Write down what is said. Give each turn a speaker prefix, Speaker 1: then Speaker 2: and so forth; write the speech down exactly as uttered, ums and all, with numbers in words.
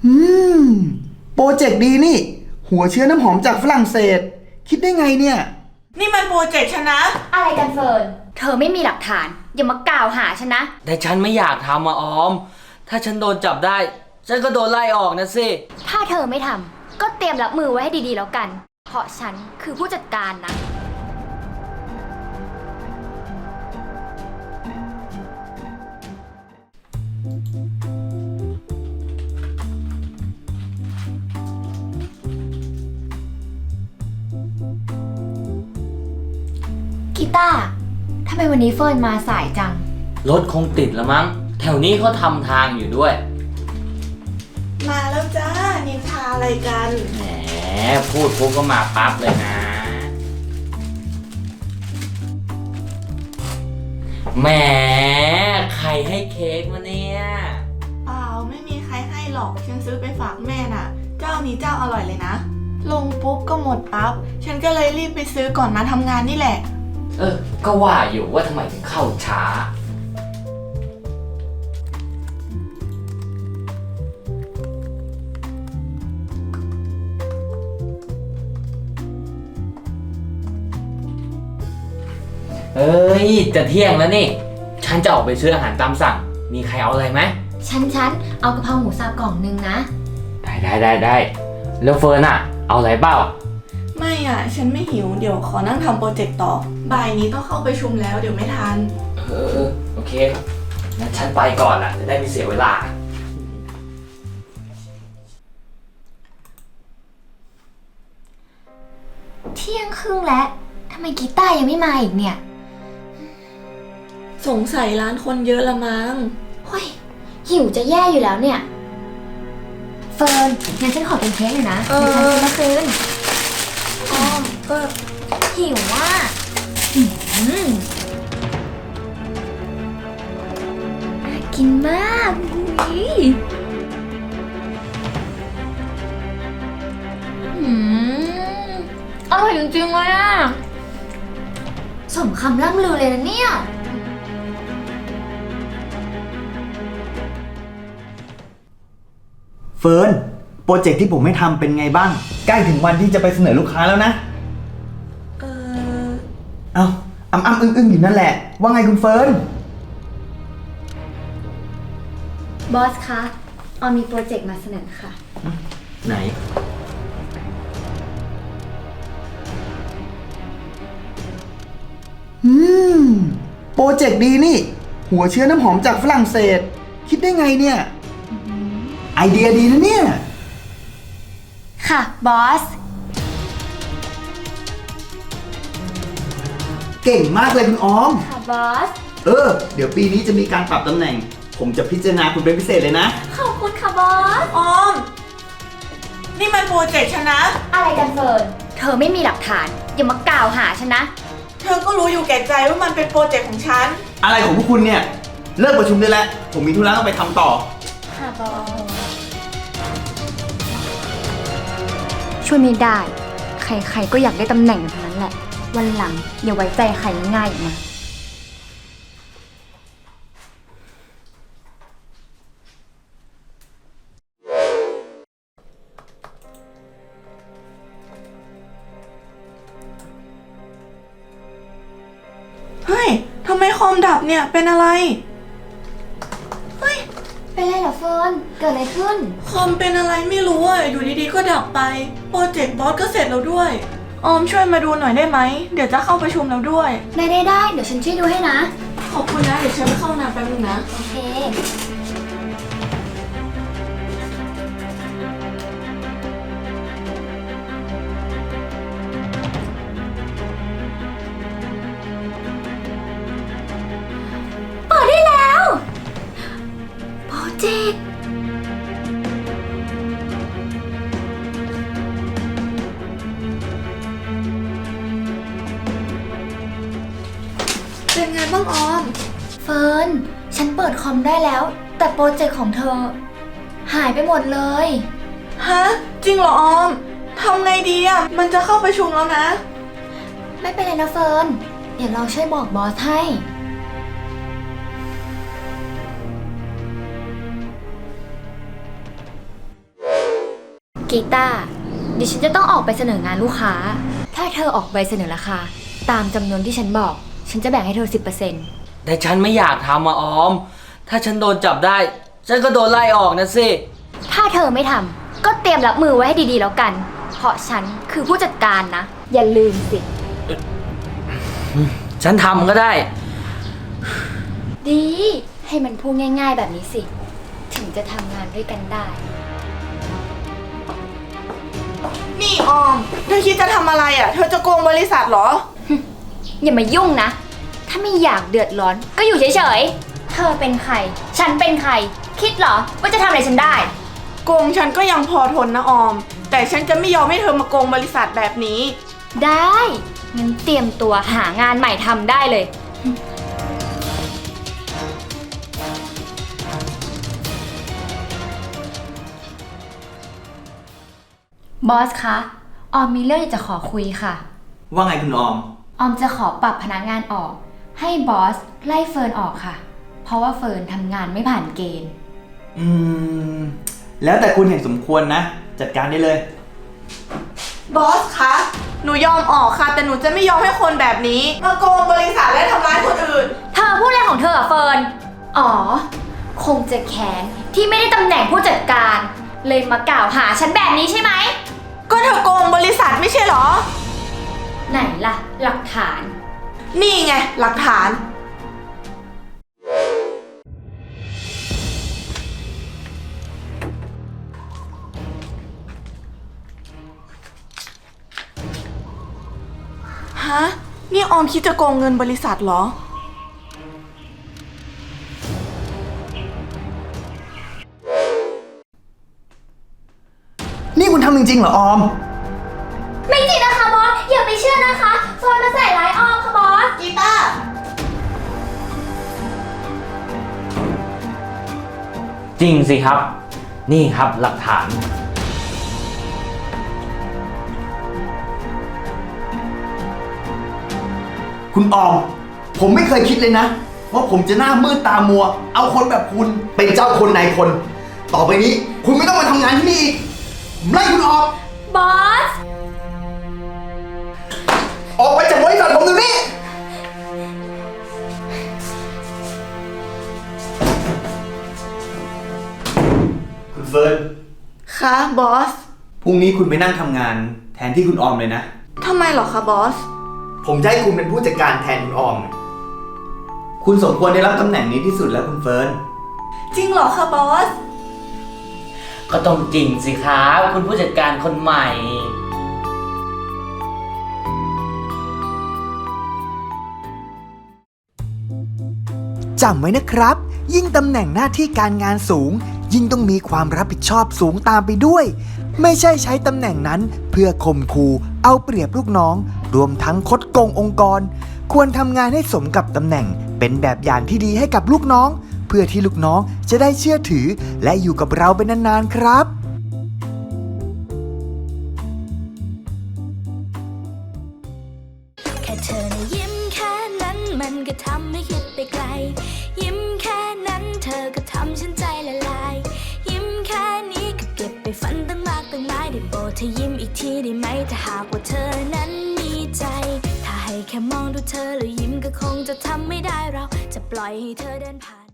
Speaker 1: อืมโปรเจกต์ดีนี่หัวเชื้อน้ำหอมจากฝรั่งเศสคิดได้ไงเนี่ย
Speaker 2: นี่มันโปรเจกต์ฉันนะ
Speaker 3: อะไรกันเฟิร์นเธอไม่มีหลักฐานอย่ามากล่าวหาฉันนะ
Speaker 4: แต่ฉันไม่อยากทำอะออมถ้าฉันโดนจับได้ฉันก็โดนไล่ออกนะสิ
Speaker 3: ถ้าเธอไม่ทำก็เตรียมรับมือไว้ให้ดีๆแล้วกันเพราะฉันคือผู้จัดการนะกีตาร์ทำไมวันนี้เฟิร์นมาสายจัง
Speaker 4: รถคงติดละมั้งแถวนี้เขาทำทางอยู่ด้วย
Speaker 2: มาแล้วจ้านินทาอะไรกัน
Speaker 4: แหมพูดปุ๊บก็มาปั๊บเลยนะแหมใครให้เค้กมาเนี่ย
Speaker 2: เปล่าไม่มีใครให้หรอกฉันซื้อไปฝากแม่น่ะเจ้านี้เจ้าอร่อยเลยนะลงปุ๊บก็หมดปั๊บฉันก็เลยรีบไปซื้อก่อนมาทำงานนี่แหละ
Speaker 4: เออก็ว่าอยู่ว่าทำไมถึงเข้าช้าเอ้ยจะเที่ยงแล้วนี่ฉันจะออกไปซื้ออาหารตามสั่งมีใครเอาอะไรไหม
Speaker 3: ฉันฉันเอากะเพราหมูสับกล่องนึงนะ
Speaker 4: ได้ได้ได้ได้แล้วเฟิร์นอะเอาอะไรเปล่า
Speaker 2: ไม่อ่ะฉันไม่หิวเดี๋ยวขอนั่งทำโปรเจกต์ต่อบ่ายนี้ต้องเข้าไปชุมแล้วเดี๋ยวไม่ทัน
Speaker 4: เออโอเคครับงั้นฉันไปก่อนละจะได้ไม่เสียเวลา
Speaker 3: เที่ยงครึ่งแล้วทำไมกีตาร์ยังไม่มาอีกเนี่ย
Speaker 2: สงสัยร้านคนเยอะละมั้ง
Speaker 3: เฮ้ยหิวจะแย่อยู่แล้วเนี่ยเฟิร์นงั้นฉันขอเป็นเค้กหน่อยนะเดี๋ยวฉันซื้อมาคืน
Speaker 2: อ้อมก็
Speaker 3: หิวว่าน่ากินมากอร่อยจริงๆเลยอ่ะสมคำล่ำลือเลยนะเนี่ย
Speaker 1: เฟิร์นโปรเจกต์ที่ผมให้ทำเป็นไงบ้างใกล้ถึงวันที่จะไปเสนอลูกค้าแล้วนะ
Speaker 2: เออ
Speaker 1: เอาอ้ำอ้ำอึ้งอึ้งอยู่นั่นแหละว่าไงคุณเฟิร์น
Speaker 3: บอสคะออมมีโปรเจกต์มาเสนอค่ะ
Speaker 1: ไหนอืมโปรเจกต์ดีนี่หัวเชื้อน้ำหอมจากฝรั่งเศสคิดได้ไงเนี่ยไอเดียดีนะเนี่ย
Speaker 3: ค่ะบอส
Speaker 1: เก่งมากเลยคุณออม
Speaker 3: ค่ะบอส
Speaker 1: เออเดี๋ยวปีนี้จะมีการปรับตำแหน่งผมจะพิจารณาคุณเป็นพิเศษเลยนะ
Speaker 3: ขอบคุณค่ะบอส
Speaker 2: ออมนี่มันโปรเจกต์ฉันนะ
Speaker 3: อะไรกันเฟิร์นเธอไม่มีหลักฐานอย่ามากล่าวหาฉันนะ
Speaker 2: เธอก็รู้อยู่แก่ใจว่ามันเป็นโปรเจกต์ของฉัน
Speaker 1: อะไรของพวกคุณเนี่ยเลิกประชุมได้แล้วผมมีธุระต้องไปทำต่อ
Speaker 3: ค่ะบอสช่วยไม่ได้ใครๆก็อยากได้ตำแหน่งทั้งนั้นแหละวันหลังอย่าไว้ใจใครง่ายๆอีกนะ
Speaker 2: เฮ้ยทำไมคอมดับเนี่ยเป็นอะไรเฮ้ย
Speaker 3: เป็นไรเหรอเฟิร์นเกิดอะไรขึ้น
Speaker 2: คอมเป็นอะไรไม่รู้อ่ะอยู่ดีๆก็ดับไปโปรเจกต์บอสก็เสร็จแล้วด้วยออมช่วยมาดูหน่อยได้ไหมเดี๋ยวจะเข้าประชุมแล้วด้วย
Speaker 3: ได้ได้ได้เดี๋ยวฉันช่วยดูให้นะ
Speaker 2: ขอบคุณนะเดี๋ยวฉันไปเข้าน้ำแป๊บนึงนะ
Speaker 3: โอเคเปิดได้แล้วโปรเจกต์
Speaker 2: เป็นไงบ้างออม
Speaker 3: เฟิร์นฉันเปิดคอมได้แล้วแต่โปรเจกต์ของเธอหายไปหมดเลย
Speaker 2: ฮะจริงเหรอออมทำไงดีอ่ะมันจะเข้าประชุมแล้วนะ
Speaker 3: ไม่เป็นไรนะเฟิร์นเดี๋ยวเราช่วยบอกบอสให้
Speaker 2: อ
Speaker 3: กีตาร์ดิฉันจะต้องออกไปเสนองานลูกค้า ถ้าเธอออกใบเสนอราคา ตามจำนวนที่ฉันบอก ฉันจะแบ่งให้เธอ สิบเปอร์เซ็นต์
Speaker 4: แต่ฉันไม่อยากทำอะออม ถ้าฉันโดนจับได้ ฉันก็โดนไล่ออกนะสิ
Speaker 3: ถ้าเธอไม่ทำก็เตรียมรับมือไว้ให้ดีๆแล้วกัน เพราะฉันคือผู้จัดการนะ อย่าลืมสิ
Speaker 4: ฉันทำก็ได้
Speaker 3: ดี ให้มันพูดง่ายๆแบบนี้สิ ถึงจะทำงานด้วยกันได้
Speaker 2: นี่ออม เธอคิดจะทำอะไรอ่ะ เธอจะโกงบริษัทเหรอ
Speaker 3: อย่ามายุ่งนะ ถ้าไม่อยากเดือดร้อนก็อยู่เฉยๆ เธอเป็นใคร ฉันเป็นใคร คิดเหรอว่าจะทำอะไรฉันได้
Speaker 2: โกงฉันก็ยังพอทนนะออม แต่ฉันจะไม่ยอมให้เธอมาโกงบริษัทแบบนี้
Speaker 3: ได้งั้นเตรียมตัวหางานใหม่ทำได้เลย บอสคะ ออมมีเรื่องอยากจะขอคุยค่ะ
Speaker 1: ว่าไงคุณออม
Speaker 3: ออมจะขอปรับพนักงานออก ให้บอสไล่เฟิร์นออกค่ะ เพราะว่าเฟิร์นทำงานไม่ผ่านเกณฑ์
Speaker 1: อืม แล้วแต่คุณเห็นสมควรนะ จัดการได้เลย
Speaker 2: บอสคะ หนูยอมออกค่ะ แต่หนูจะไม่ยอมให้คนแบบนี้ มาโกงบริษัทและทำร้ายคนอื่น
Speaker 3: เธอพูดอะไรของเธออะเฟิร์น อ๋อ คงจะแค้นที่ไม่ได้ตำแหน่งผู้จัดการ เลยมากล่าวหาฉันแบบนี้ใช่ไหม
Speaker 2: ก็เธอโกงบริษัทไม่ใช่เหรอ
Speaker 3: ไหนล่ะ หลักฐาน
Speaker 2: นี่ไงหลักฐาน ฮะ นี่ออมคิดจะโกงเงินบริษัทเหรอ
Speaker 1: นี่คุณทำจริงๆเหรอออม
Speaker 3: ไม่จริงนะคะบอส อย่าไปเชื่อนะคะเฟิร์นมาใส่ร้ายออมค่ะบอส
Speaker 2: กีตาร์
Speaker 4: จริงสิครับ นี่ครับหลักฐาน
Speaker 1: คุณออม ผมไม่เคยคิดเลยนะ ว่าผมจะหน้ามืดตามัว เอาคนแบบคุณเป็นเจ้าคนนายคน ต่อไปนี้คุณไม่ต้องมาทำงานที่นี่อีกผมไล่คุณออก
Speaker 3: บอส
Speaker 1: ออกไปจากบริษัทผมเดี๋ยวนี้ คุณเฟิร์น
Speaker 2: คะบอส
Speaker 1: พรุ่งนี้คุณไปนั่งทำงานแทนที่คุณออมเลยนะ
Speaker 2: ทำไมเหรอคะบอส
Speaker 1: ผมจะให้คุณเป็นผู้จัดการแทนคุณออม คุณสมควรได้รับตำแหน่งนี้ที่สุดแล้วคุณเฟิร์น
Speaker 2: จริงเหรอคะบอส
Speaker 4: ก็ต้องจริงสิครับ คุณผู้จัดการคนใหม่
Speaker 5: จำไว้นะครับ ยิ่งตำแหน่งหน้าที่การงานสูง ยิ่งต้องมีความรับผิดชอบสูงตามไปด้วย ไม่ใช่ใช้ตำแหน่งนั้นเพื่อข่มขู่เอาเปรียบลูกน้อง รวมทั้งคดโกงองค์กร ควรทำงานให้สมกับตำแหน่ง เป็นแบบอย่างที่ดีให้กับลูกน้อง เพื่อที่ลูกน้องจะได้เชื่อถือ และอยู่กับเราเป็นนานๆครับ
Speaker 6: แค่เธอนะยิ้มแค่นั้นมันก็ทำให้คิดไปไกล ยิ้มแค่นั้นเธอก็ทำฉันใจละลาย ยิ้มแค่นี้ก็เก็บไปฝันตั้งมากตั้งหลายได้โปรดเธอยิ้มอีกทีได้ไหมถ้าหากว่าเธอนั้นมีใจ ถ้าให้แค่มองดูเธอแล้วยิ้มก็คงจะทำไม่ได้เราจะปล่อยให้เธอเดินผ่าน